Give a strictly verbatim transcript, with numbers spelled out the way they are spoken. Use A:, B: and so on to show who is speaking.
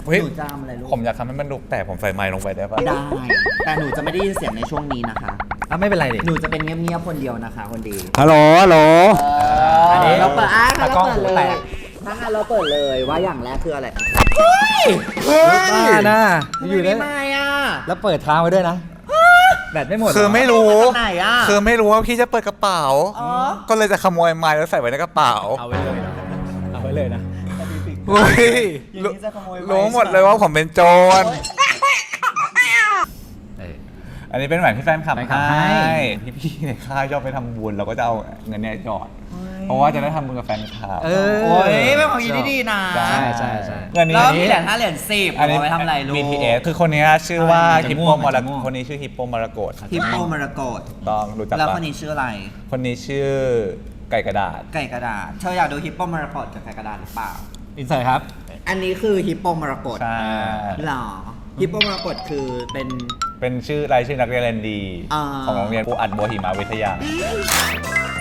A: หนูจามอะไรลูก
B: ผมอยากทำให้มันดุแต่ผมใส่ไมค์ลงไปได้ปะ
A: ได้แต่หนูจะไม่ได้ยินเสียงในช่วงนี้นะคะ
C: อ่ะไม่เป็นไรดิ
A: หนูจะเป็นเงียบๆคนเดียวนะคะคนดี
C: ฮัลโหลฮัลโหล
A: อันนี้เราเปิดอ่ะ
C: ตากล้องหูแตก
A: ถ้างั้นเราเปิดเลยว่าอย่างแรกคืออะไร
C: เฮ้ยบ้านะ
A: อ
C: อยู่ ยู่
A: ได้
C: ได้
A: ไหมอ่ะ
C: แล้วเปิดทางไว้ด้วยนะแบตไม่หมด
B: คือไม่รู้
A: มาจากไหนอะ
B: คือไม่รู้ว่าพี่จะเปิดกระเป๋า
A: อ๋อ
B: ก็เลยจะขโมยไมค์แล้วใส่ไว้ในกระเป๋า
C: เอาไว้เลยนะเอาไว้เลยนะ
B: เฮ้ย
A: อย่างนี้จะขโมยไว้
B: รู้หมดเลยว่าผมเป็นโจร
C: เออ
B: อันนี้เป็นแหวนที่แฟนคลับ
C: แฟนคลับ
B: ให้
C: ให้
B: พี่ๆในค่ายชอบไปทำบุญเราก็จะเอาเงินเนี่ยหยอด เพราะว่าจะได้ทำบุญกับแฟนคลับ
C: เออ
A: โอ้ยเป็นความคิดที่ดีนะ
B: ใช่
C: ใช่ใช่
B: เงินนี้
A: แล้ว
B: อัน
A: มี
B: นี้
A: เหรียญห้าเหรียญสิบ
B: อันนี้
A: เอาไปทำอะไรลูก
B: บี ที เอส คือคนนี้ชื่อว่า
C: ใช่
B: ฮิปโป
C: มัน
B: ม
C: จะ
B: ร
C: ม่วง
B: คนนี้ชื่อฮิปโปมรกต
A: ฮิปโปมรกต
B: ต้องรู้จัก
A: แล้ว
B: ปะ
A: คนนี้ชื่ออะไร
B: คนนี้ชื่อไก่กระดาษ
A: ไก่กระดาษ เธออยากดูฮิปโปมรกตกับไก่กระดาษหรือเปล่า
C: อินเสิร์ตครับ
A: อันนี้คือฮิปโปมรกต
B: ใช่
A: หรอฮิปโปมรกตคือเป็น
B: เป็นชื่อรายชื่อนักเรียนเรียนดี
A: อ่า
B: ของโรงเรียนปูอัดบัวหิมะวิทยา